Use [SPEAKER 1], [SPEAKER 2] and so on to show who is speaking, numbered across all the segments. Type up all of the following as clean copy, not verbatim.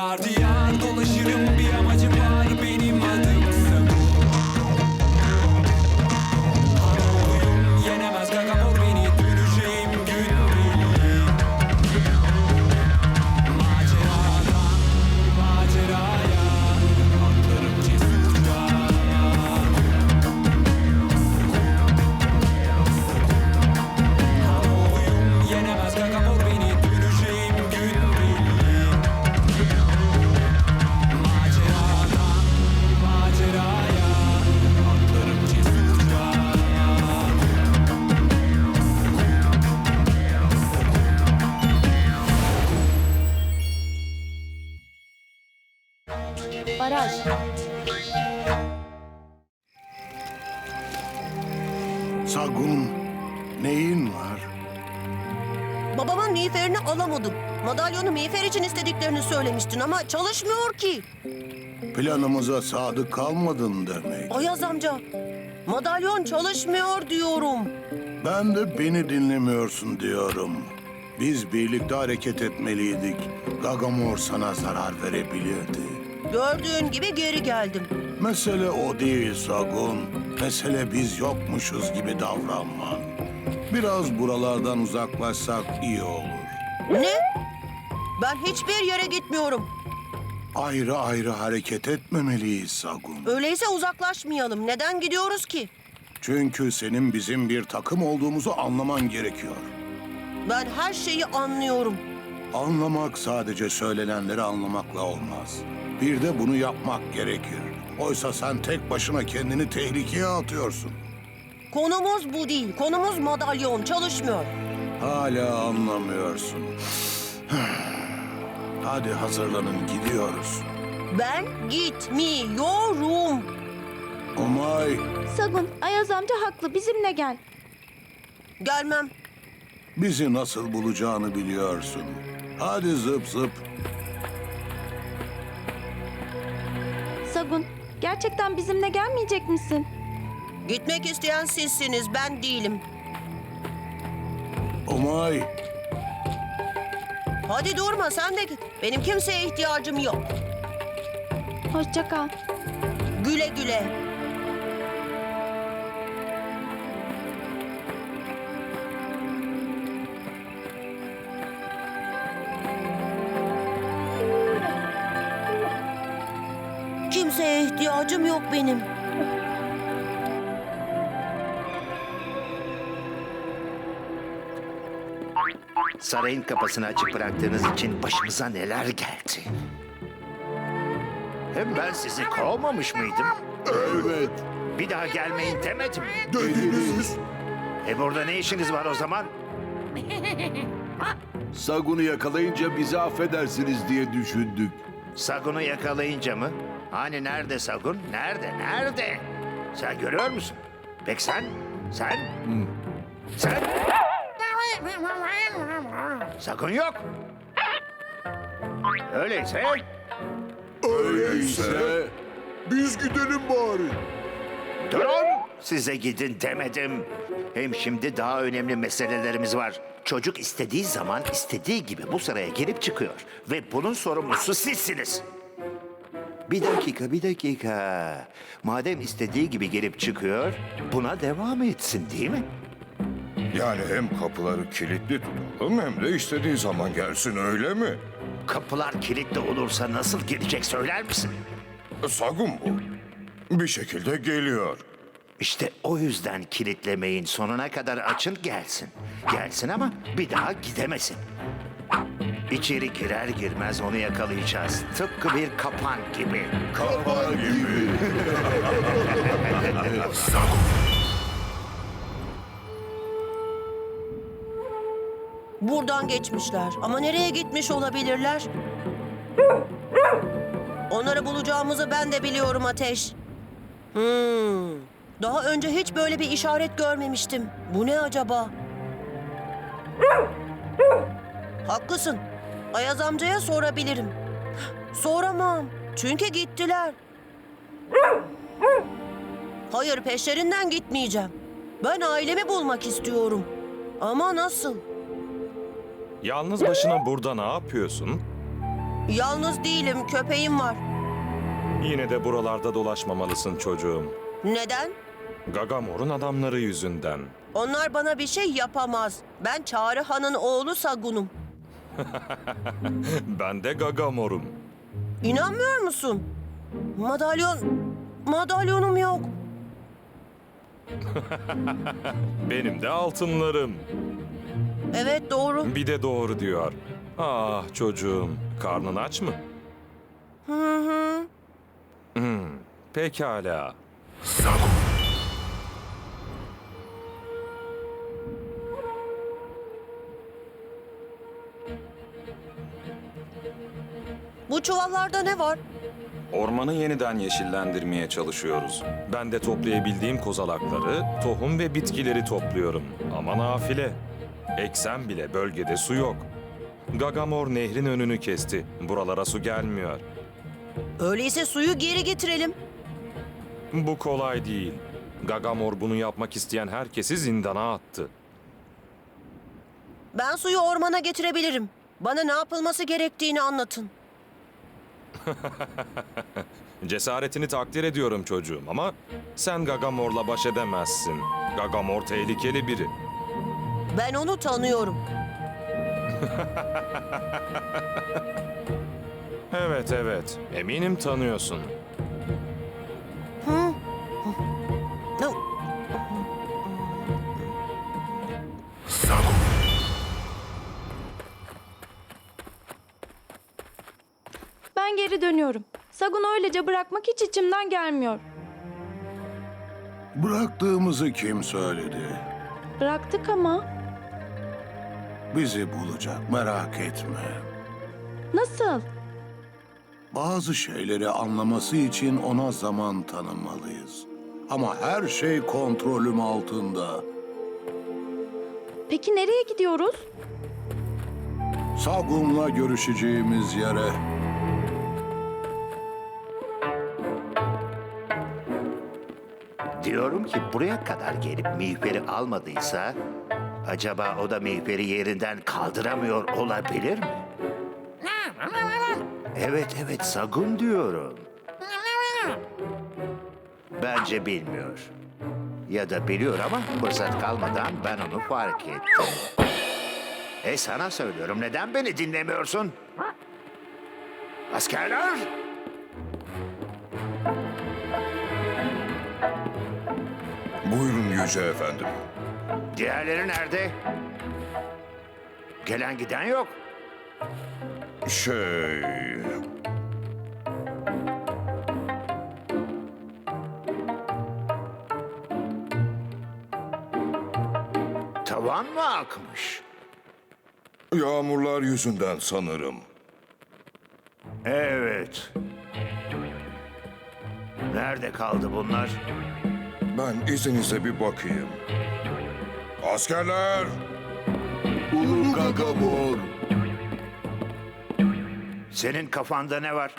[SPEAKER 1] Diyar diyar dolaşırım, bir amacım var, benim adım Sagun. Hanoluyum, yenemez gagamor beni, döneceğim gün belli. Maceradan maceraya atlarım cesurca. Hanoluyum, yenemez gagamor beni, döneceğim gün belli. Maceradan maceraya atlarım cesurca.
[SPEAKER 2] Baraj.
[SPEAKER 3] Sagun, neyin var?
[SPEAKER 4] Babamın miğferini alamadım. Madalyonu miğfer için istediklerini söylemiştin ama çalışmıyor ki.
[SPEAKER 3] Planımıza sadık kalmadın demek.
[SPEAKER 4] Ayaz amca, madalyon çalışmıyor diyorum.
[SPEAKER 3] Ben de beni dinlemiyorsun diyorum. Biz birlikte hareket etmeliydik. Gagamor sana zarar verebilirdi.
[SPEAKER 4] Gördüğün gibi geri geldim.
[SPEAKER 3] Mesele o değil Sagun. Mesele biz yokmuşuz gibi davranman. Biraz buralardan uzaklaşsak iyi olur.
[SPEAKER 4] Ne? Ben hiçbir yere gitmiyorum.
[SPEAKER 3] Ayrı ayrı hareket etmemeliyiz Sagun.
[SPEAKER 4] Öyleyse uzaklaşmayalım. Neden gidiyoruz ki?
[SPEAKER 3] Çünkü senin bizim bir takım olduğumuzu anlaman gerekiyor.
[SPEAKER 4] Ben her şeyi anlıyorum.
[SPEAKER 3] Anlamak sadece söylenenleri anlamakla olmaz. Bir de bunu yapmak gerekir. Oysa sen tek başına kendini tehlikeye atıyorsun.
[SPEAKER 4] Konumuz bu değil. Konumuz madalyon. Çalışmıyor.
[SPEAKER 3] Hala anlamıyorsun. Hadi hazırlanın, gidiyoruz.
[SPEAKER 4] Ben gitmiyorum.
[SPEAKER 3] Umay,
[SPEAKER 2] Sagun, Ayaz amca haklı. Bizimle gel.
[SPEAKER 4] Gelmem.
[SPEAKER 3] bizi nasıl bulacağını biliyorsun. Hadi zıp zıp.
[SPEAKER 2] Sagun, gerçekten bizimle gelmeyecek misin?
[SPEAKER 4] Gitmek isteyen sizsiniz. Ben değilim.
[SPEAKER 3] Umay,
[SPEAKER 4] Hadi durma, sen de git. Benim kimseye ihtiyacım yok.
[SPEAKER 2] Hoşça kal.
[SPEAKER 4] Güle güle. Kimseye ihtiyacım yok benim.
[SPEAKER 5] Sarayın kapısını açık bıraktığınız için başımıza neler geldi. Hem ben sizi kovmamış mıydım?
[SPEAKER 3] evet,
[SPEAKER 5] Bir daha gelmeyin demedim.
[SPEAKER 3] dediniz.
[SPEAKER 5] Burada ne işiniz var o zaman?
[SPEAKER 6] Sagun'u yakalayınca bizi affedersiniz diye düşündük.
[SPEAKER 5] Sagun'u yakalayınca mı? Hani nerede Sagun? Nerede? Nerede? Sen görüyor musun? Peki sen? Sen? Sen? Sagun yok. Öyleyse
[SPEAKER 6] Öyleyse
[SPEAKER 3] Biz gidelim bari.
[SPEAKER 5] durun. Size gidin demedim. Hem şimdi daha önemli meselelerimiz var. Çocuk istediği zaman istediği gibi bu saraya girip çıkıyor. Ve bunun sorumlusu sizsiniz. Bir dakika, bir dakika. Madem istediği gibi girip çıkıyor, buna devam etsin değil mi?
[SPEAKER 7] Yani hem kapıları kilitli tutalım hem de istediği zaman gelsin, öyle mi?
[SPEAKER 5] Kapılar kilitli olursa nasıl girecek söyler misin?
[SPEAKER 7] Sagun bu. Bir şekilde geliyor.
[SPEAKER 5] İşte o yüzden kilitlemeyin. Sonuna kadar açın gelsin. Gelsin ama bir daha gidemesin. İçeri girer girmez onu yakalayacağız. Tıpkı bir kapan gibi.
[SPEAKER 7] Kapan gibi.
[SPEAKER 4] Buradan geçmişler. Ama nereye gitmiş olabilirler? Onları bulacağımızı ben de biliyorum Ateş. Daha önce hiç böyle bir işaret görmemiştim. Bu ne acaba? Haklısın. Ayaz amcaya sorabilirim. Soramam. Çünkü gittiler. Hayır, peşlerinden gitmeyeceğim. Ben ailemi bulmak istiyorum. Ama nasıl?
[SPEAKER 8] Yalnız başına burada ne yapıyorsun?
[SPEAKER 4] Yalnız değilim, köpeğim var.
[SPEAKER 8] Yine de buralarda dolaşmamalısın çocuğum.
[SPEAKER 4] Neden?
[SPEAKER 8] Gagamor'un adamları yüzünden.
[SPEAKER 4] Onlar bana bir şey yapamaz. Ben Çağrı Han'ın oğlu Sagun'um.
[SPEAKER 8] Ben de Gagamor'um.
[SPEAKER 4] İnanmıyor musun? Madalyonum yok.
[SPEAKER 8] Benim de altınlarım.
[SPEAKER 4] Evet, doğru.
[SPEAKER 8] Bir de doğru diyor. Ah çocuğum, karnın aç mı?
[SPEAKER 4] Hı hı.
[SPEAKER 8] Pekala.
[SPEAKER 4] Bu çuvallarda ne var?
[SPEAKER 8] Ormanı yeniden yeşillendirmeye çalışıyoruz. Ben de toplayabildiğim kozalakları, tohum ve bitkileri topluyorum. Ama nafile. Eksem bile bölgede su yok. Gagamor nehrin önünü kesti. Buralara su gelmiyor.
[SPEAKER 4] Öyleyse suyu geri getirelim.
[SPEAKER 8] Bu kolay değil. Gagamor bunu yapmak isteyen herkesi zindana attı.
[SPEAKER 4] Ben suyu ormana getirebilirim. Bana ne yapılması gerektiğini anlatın.
[SPEAKER 8] Cesaretini takdir ediyorum çocuğum ama sen Gagamor'la baş edemezsin. Gagamor tehlikeli biri.
[SPEAKER 4] Ben onu tanıyorum.
[SPEAKER 8] Evet. Eminim tanıyorsun.
[SPEAKER 4] Hı?
[SPEAKER 2] Ben geri dönüyorum. Sagun'u öylece bırakmak hiç içimden gelmiyor.
[SPEAKER 3] Bıraktığımızı kim söyledi?
[SPEAKER 2] Bıraktık ama.
[SPEAKER 3] Bizi bulacak, merak etme.
[SPEAKER 2] Nasıl?
[SPEAKER 3] Bazı şeyleri anlaması için ona zaman tanımalıyız. Ama her şey kontrolüm altında.
[SPEAKER 2] Peki nereye gidiyoruz?
[SPEAKER 3] Sagun'la görüşeceğimiz yere.
[SPEAKER 5] Diyorum ki buraya kadar gelip mihveri almadıysa... ...acaba o da mihveri yerinden kaldıramıyor olabilir mi? Evet, Sagun diyorum. Bence bilmiyor. Ya da biliyor ama fırsat kalmadan ben onu fark ettim. Sana söylüyorum, neden beni dinlemiyorsun? Askerler!
[SPEAKER 7] Buyurun Yüce Efendim.
[SPEAKER 5] Diğerleri nerede? Gelen giden yok. Tavan mı akmış?
[SPEAKER 7] Yağmurlar yüzünden sanırım.
[SPEAKER 5] Evet. Nerede kaldı bunlar?
[SPEAKER 7] Ben izninizle bir bakayım. Askerler!
[SPEAKER 6] Ulu Gagamor.
[SPEAKER 5] Senin kafanda ne var?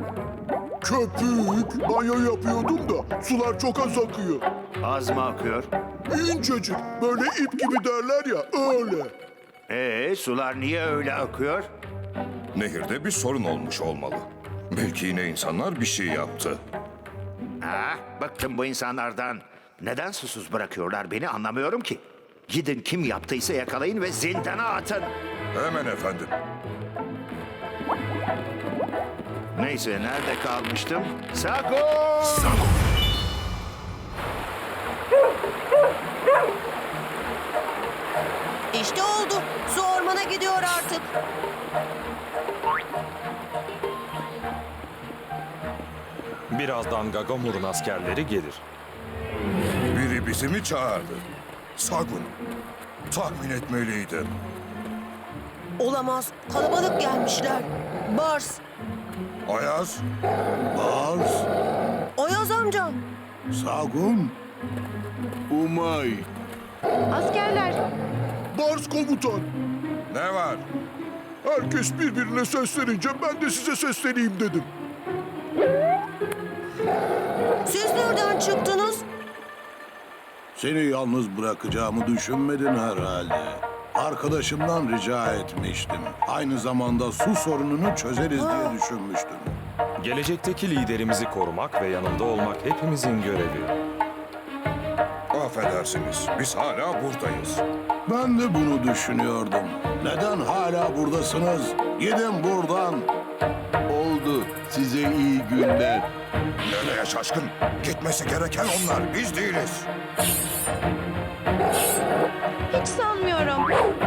[SPEAKER 6] Köpük. Banyo yapıyordum da sular çok az akıyor.
[SPEAKER 5] Az mı akıyor?
[SPEAKER 6] İncecik. Böyle ip gibi derler ya, öyle.
[SPEAKER 5] Sular niye öyle akıyor?
[SPEAKER 7] Nehirde bir sorun olmuş olmalı. Belki yine insanlar bir şey yaptı.
[SPEAKER 5] Bıktım bu insanlardan. Neden susuz bırakıyorlar beni anlamıyorum ki. Gidin kim yaptıysa yakalayın ve zindana atın.
[SPEAKER 7] Hemen efendim.
[SPEAKER 5] Neyse nerede kalmıştım? Sagun!
[SPEAKER 4] İşte oldu. Su ormana gidiyor artık.
[SPEAKER 8] Birazdan Gagamor'un askerleri gelir.
[SPEAKER 7] Biri bizi mi çağırdı? Sagun. Tahmin etmeliydim.
[SPEAKER 4] Olamaz. Kalabalık gelmişler. Bars.
[SPEAKER 7] Ayaz,
[SPEAKER 3] Bars,
[SPEAKER 4] Ayaz amca.
[SPEAKER 3] Sagun,
[SPEAKER 6] Umay.
[SPEAKER 2] Askerler.
[SPEAKER 6] Bars komutan.
[SPEAKER 7] ne var?
[SPEAKER 6] Herkes birbirine seslenince ben de size sesleneyim dedim.
[SPEAKER 4] Siz nereden çıktınız?
[SPEAKER 3] seni yalnız bırakacağımı düşünmedin herhalde. Arkadaşımdan rica etmiştim. Aynı zamanda su sorununu çözeriz diye düşünmüştüm.
[SPEAKER 8] Gelecekteki liderimizi korumak ve yanında olmak hepimizin görevi.
[SPEAKER 7] Affedersiniz, biz hala buradayız.
[SPEAKER 3] Ben de bunu düşünüyordum. Neden hala buradasınız? Gidin buradan.
[SPEAKER 6] Oldu. Size iyi günler.
[SPEAKER 7] Nereye şaşkın? Gitmesi gereken onlar, biz değiliz.
[SPEAKER 2] Hiç sanmıyorum.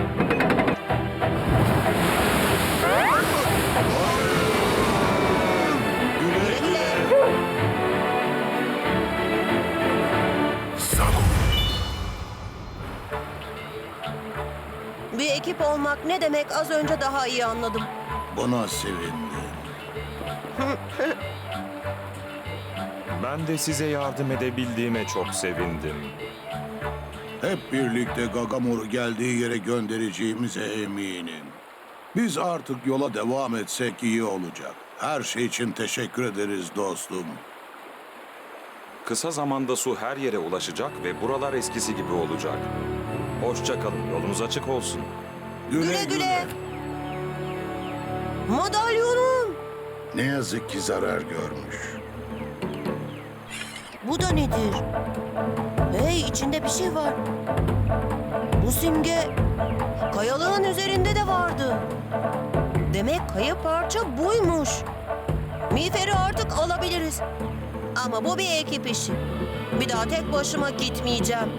[SPEAKER 4] Bir ekip olmak ne demek az önce daha iyi anladım.
[SPEAKER 3] Buna sevindim.
[SPEAKER 8] Ben de size yardım edebildiğime çok sevindim.
[SPEAKER 3] Hep birlikte Gagamor'u geldiği yere göndereceğimize eminim. Biz artık yola devam etsek iyi olacak. Her şey için teşekkür ederiz dostum.
[SPEAKER 8] Kısa zamanda su her yere ulaşacak ve buralar eskisi gibi olacak. Hoşça kalın, yolunuz açık olsun.
[SPEAKER 4] Güle güle. Madalyonum.
[SPEAKER 3] Ne yazık ki zarar görmüş.
[SPEAKER 4] Bu da nedir? Hey, içinde bir şey var. Bu simge kayalığın üzerinde de vardı. Demek kaya parça buymuş. Miğferi artık alabiliriz. Ama bu bir ekip işi. Bir daha tek başıma gitmeyeceğim.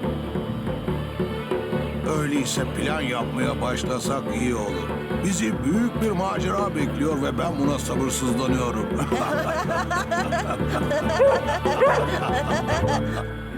[SPEAKER 3] Öyleyse plan yapmaya başlasak iyi olur. Bizi büyük bir macera bekliyor ve ben buna sabırsızlanıyorum.